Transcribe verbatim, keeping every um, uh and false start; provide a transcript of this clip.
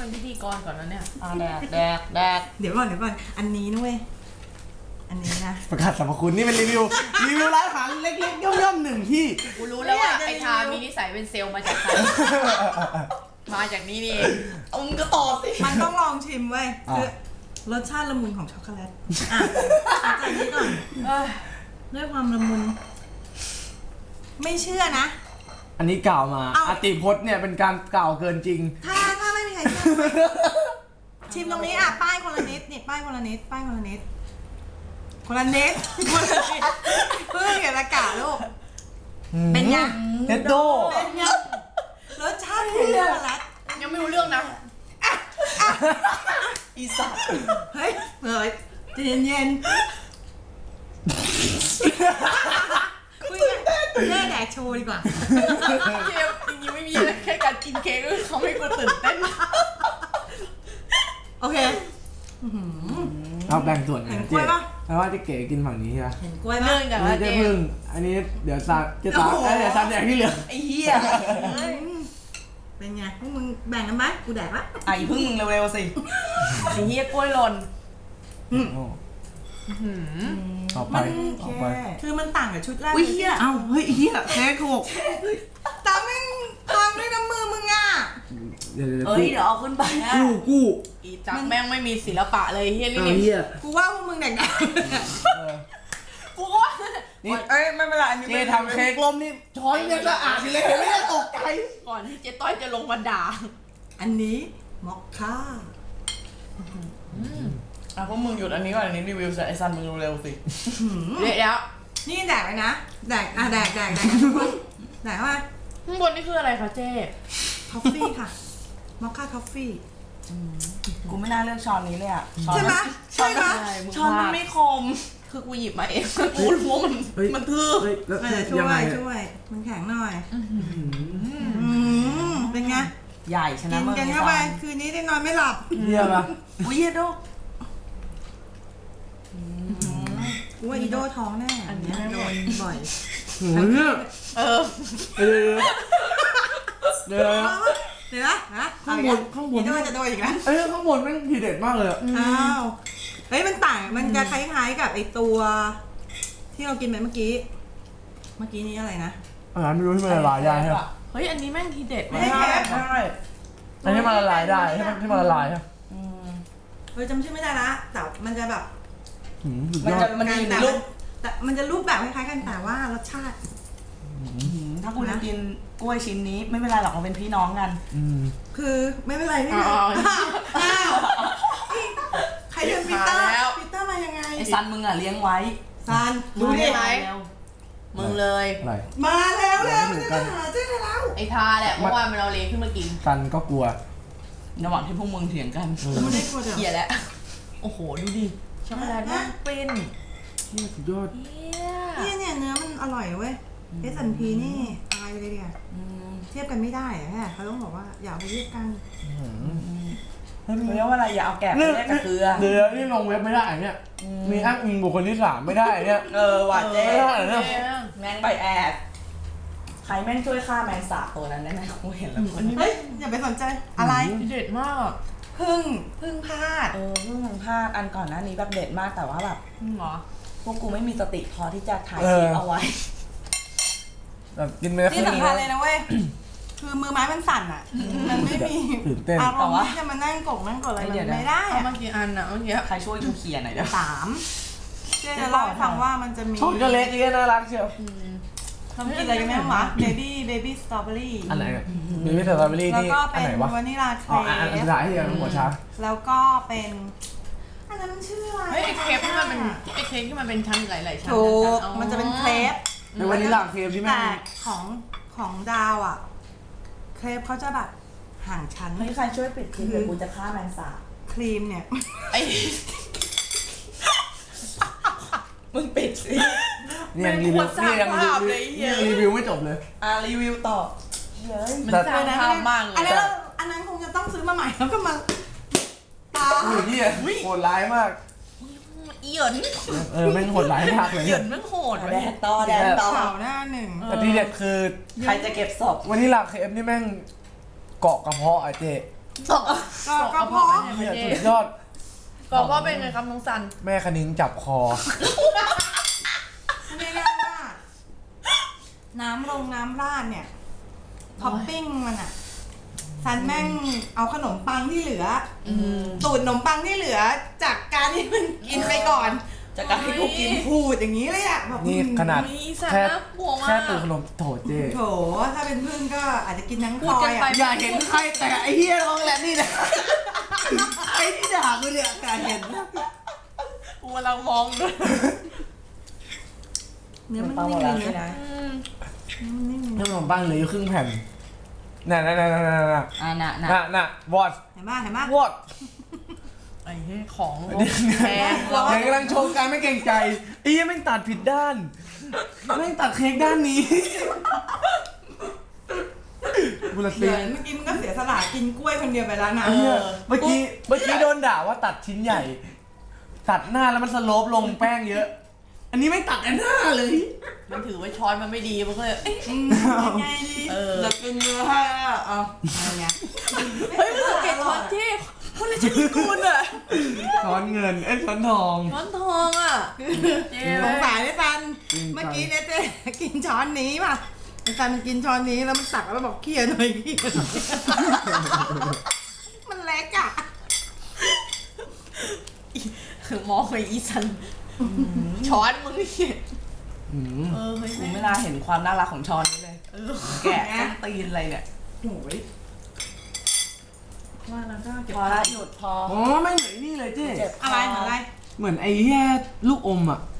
เป็นพิธีกรก่อนนะเนี่ยอ่าแดกแดกแดกเดี๋ยวก่อนเดี๋ยวก่อนอันนี้นุ้ยอันนี้นะประกาศสรรพคุณนี่เป็นรีวิวรีวิวร้านอาหารเล็กๆย่อมๆหนึ่งที่กูรู้แล้วว่าไอ้ทามีนิสัยเป็นเซลล์มาจากใคร มาจากนี่นี่เองเอามึงก็ตอบสิมันต้องลองชิมเว้ยคือรสชาติละมุนของช็อกโกแลตอ่ะเอาจากนี้ก่อนเอ้ยด้วยความละมุนไม่เชื่อนะอันนี้กล่าวมาเอ้าอติพจน์เนี่ยเป็นการกล่าวเกินจริงถ้าถ้าไม่มีใครเชื่อเว้ยชิมตรงนี้อ่ะป้ายคนละนิดนี่ป้ายคนละนิดป้ายคนละนิดคนละนิดคนละนิดเพื่อเกียรติกาลูกเป็นไงเน็ตโดเป็นไงรสชาติของช็อกโกแลตยังไม่รู้เรื่องนะอีสัตว์เฮ้ยเฮ้ยใจเย็นๆคุยกันแม่แดกโชว์ดีกว่าเกมจริงๆไม่มีอะไรแค่การกินเค้กเขาไม่กูตื่นเต้นโอเคเอาแบ่งส่วนกันเห็นกล้เจ๊วยปะแปลว่าเจะเก๋กินฝั่งนี้ใช่ไหมเห็นกล้วยไหมเรื่องจากอันว่านี้เจเจ๊มพึ่งอันนี้เดี๋ยวซาเจ๊ตาเอ้ยเดี๋ยวซาแดกที่เหลือไอ้เหี้ยเป็นไงพวกมึงแบ่งกันไหมกูแดกละไอ้พึ่งมึงเร็วๆสิไอ้เหี้ยกล้วยหล่นโอ้หืมต่อไปมันต่อไปคือมันต่างกับชุดแรกอุ้ยเหี้ยเอ้าเฮ้ยเฮียแค่หกแต่แม่งพังด้วยน้ำมือมึงอ่ะเดี๋ยวเดี๋ยวเอ้ยเดี๋ยวเอาขึ้นไปนะกู้กู้อีจักแม่งไม่มีศิลปะเลยเฮียนี่เอาเฮียกูว่าพวกมึงแดกแดกเออกูก็ว่านี่เอ้ยไม่เป็นไรอันนี้เจ๊ทำเค้กลมนี่ช้อนยังสะอาดอยู่เลยเห็นไหมเนี่ยตกใจก่อนที่เจ๊ต้อยจะลงมาด่าอันนี้มอคค่าอ่ะพวกมึงหยุดอันนี้ก่อนอันนี้รีวิวเสร็จไอ้ซันมึงเร็วๆสิเดี๋ยวแล้วนี่แดกเลยนะแดกอ่ะแดกแดกแดกกันทุกคนแดกเข้ามาข้างบนนี่คืออะไรคะเจ๊ทอฟฟี่ค่ะมอคค่าทอฟฟี่กูไม่น่าเลือกช้อนนี้เลยอ่ะช้อนใช่ไหมใช่ไหมมึงช้อนมันพลาดไม่คมคือกูหยิบมาเองกูรู้ว่ามันเฮ้ยมันทื่อเฮ้ยแล้วเออช่ยังวไงยเนี่ยช่วยมันแข็งหน่อยอืมอืมเป็นไงใหญ่ชนะกินมึงกันเข้าไปคืนนี้ได้นอนไม่หลับเฮียปะอุ้ยเหี้ยโดกูว่าอีโดท้องแน่อันนี้โดนบ่อยโหเนี่ยเออเดี๋ยวเดี๋ยวเดี๋ยวเดี๋ยวนะนะข้างบนข้างบนอีโดจะโดนอีกแล้วเอ้ยข้างบนแม่งทีเด็ดมากเลยอะอ้าวเฮ้ยมันต่างมันจะคล้ายๆกับไอตัว ที่เรากินไปเมื่อกี้ เมื่อกี้นี้อะไรนะอาหารไม่รู้ที่มันละลายได้ใช่ไหมเฮ้ยอันนี้แม่งทีเด็ดไม่มากได้แค่ได้อันนี้มันละลายได้ใช่ไหมที่มันละลายใช่ไหมอืมเฮ้ยจำชื่อไม่ได้ละแต่มันจะแบบหืมสุดมันยอจะดมันจะอยู่ในแต่รูปแต่มันจะรูปแบบคล้ายๆกันแต่ว่ารสชาติถ้ากูจะกินกล้วยชิ้นนี้ไม่เป็นไรหรอกเราเป็นพี่น้องกันอืมคือไม่เป็นไรไม่อ๋เป็นอไรอ้าวใครเดินปีเตอร์มาแล้วปีเตอร์มายังไงไอ้ซันมึงอ่ะเลี้ยงไว้ซันดูดิไหม มึงเลยอะไรมาแล้วแล้วไม่จะถูกกันมาหาเจ๊แล้วไอ้ทาแหละเมื่อวานมันเอาเลขึ้นมากินซันก็กลัวระหว่างที่พวกมึงเถียงกันไม่ได้กลัวเดี๋ยวเหี้ยแล้วโอ้โหดูดิช็อกโกแลตแม่งเป็นนี่สุดยอดเหี้ยเนี่ยเนี่ยเนื้อมันอร่อยเว้ยเอสันพีนี่อะไรเลยเนี่ยอืมเทียบกันไม่ได้อะแค่เขาต้องบอกว่าอย่าไปเทียบกันเขาเรียกว่าอะไรอย่าเอาแกะไปแลกกับเกลือเดี๋ยวนี่ลงเว็บไม่ได้เนี่ย มีอ้างอิงบุคคลที่สามไม่ได้เนี่ยเออว่ะเจ๊ไม่ได้เหรอเจ๊เนี่ยแมงใบแอดใครแม่งช่วยฆ่าแมงสาบตัวนั้นได้ไหมกูเห็นแล้วคนเฮ้ยอย่าไปสนใจอะไรทีเด็ดมากพึ่งพึ่งพลาดเออเพิ่งมึงพลาดอันก่อนหน้านี้แบบเด็ดมากแต่ว่าแบบอืมเหรอพวกกูไม่มีสติพอที่จะถ่ายคลิปเอาไว้แบบกินไปแล้วที่สำคัญเลยนะเว้ยคือมือไม้มันสั่นอ่ะมันไม่มีตื่นเต้นอารมณ์ที่จะมานั่งกกนั่งกดอะไรมันไม่ได้เอาอะมากี่อันอะเมื่อกี้ใครช่วยกูเคลียร์หน่อยเด้อสามเจ๊จะเล่าให้ฟังว่ามันจะมีช็อกโกแลตนี่น่ารักเชียวทำกินอะไรกันแม่วะเบบี้เบบี้สตรอเบอรี่อันไหนอะมีวิตามินสตรอเบอรี่แล้วนี่ก็อัเป็น นไหนวะวานิลาเคอ๋ออันอันรสุปดท้ายที่ยังหัวช้าแล้วก็เป็นอันนั้นมันชื่ออะไรเฮ้ยไอ้เคปที่มันเป็นไอ้เคปที่มันเป็นชั้นหลายๆชั้นถูกอ๋อมันจะเป็นเครปในวันนี้ลาเคมที่แม่แต่งของของดาวอ่ะ เครปเขาจะแบบห่างชั้นเฮ้ยใครช่วยปิดคลิปเดี๋ยวกูจะฆ่าแมงสาบครีมเนี่ยไอ้มึงปิดสินี่ยังรีวิวนี่ยังรีวิวนี่ยังรีวิวไม่จบเลยอ่ะรีวิวต่อเฮ้ยมันสร้างภาพมากเลอันยนั้นเราอันนั้นคงจะต้องซื้อมาใหม่แล้วก็มาตาโอ้ยเหี้ยโหดร้ายมากอีเหยินเออแม่งโหดร้ายมากเลยเหยินแม่งโหดแดดต่อแดดต่อข่าวหน้าหนึ่งแต่ที่เด็ดคือใครจะเก็บศพวันนี้ลาเคมนี่แม่งเกาะกระเพาะอ่ะเจ๊ส่งก็ส่งก็กระเพราะเพาะไปให้เหี้ยประเทสุศดยอดก็เพราะเป็นไงครับน้องซันแม่คณิ้งจับคอเรียกได้ว่า น้ำลงน้ำราดเนี่ยท็อปปิ้งมันอะซันแม่งเอาขนมปังที่เหลืออตูดขนมปังที่เหลือ จากการที่มันกินไปก่อนจากการที่กูกินพูดอย่างนี้เลยอะแบบนี่ขนาดมีสันแค่น่ากลัวมากแค่ตูดขนมโถเจ๊โถถ้าเป็นพึ่งก็อาจจะกินทั้งพพูลดอกันยไปอะอย่าเห็นใครแต่ไอ้เฮียร้องแหละนี่นะไอ้ที่ด่ากูเนี่ยการเห็นนะกูกำลังมองด้วยเนื้อมันปังหมนิ่ดมแล้วเลยใช่นะไหมอืมเนื้อมันนิ่มเลยขนะนมปังเหลืออยู่ครึ่งแผ่นน่ะน่ะน่ะน่ะน่ะน่ะอ่าน่ะน่ะน่ะน่ะวอดเห็นปะเห็นปะวอดไอ้เหี้ยของเดี๋ยวแพงเราเดี๋ยวกำลังโชว์การไม่เกรงใจไอ้เหี้ยแม่งตัดผิดด้านแม่งตัดเค้กด้านนี้บุรเดี๋ตียวเมื่อกี้มันก็เสียสละกินกล้วยคนเดียวไปแล้วนะเหี้ยเมื่อกี้เมื่อกี้โดนด่าว่าตัดชิ้นใหญ่ ตัดหน้าแล้วมันสโลปลงแป้งเยอะ อันนี้ไม่ตัดอันหน้าเลยมันถือว่าช้อนมันไม่ดีมันก็เลยเอ๊ะอืมยังไงดีเออจะกินเนื้อให้อ่ะเอาอะไรเงี้ยเฮ้ยมึงสังเกตช้อนที่คนละชนิดกูนอะช้อนเงินเอ้ยช้อนทองช้อนทองอะเจ๊สงสารไอ้ซันจริงจังเมื่อกี้เนี่ยเจ๊กินช้อนนี้ป่ะไอ้ซันมันกินช้อนนี้แล้วมันตักแล้วบอกเคี่ยหน่อยเคี่ยหน่อยมันเล็กอ่ะมองไปอีสันช้อนมึงนี่อืมเออเฮ้ยกูแม่ไม่น่าเห็นความน่ารักของช้อนนี้เลยเออแกะต้นตีนอะไรเนี่ยโอ้ยว่าแล้วก็เก็บพอละหยุดพออ๋อไม่เหมือนนี่เลยเจ๊เจ็บคอะไรอะไรเหมือนไอ้เหี้ยลูกอมอ่ะ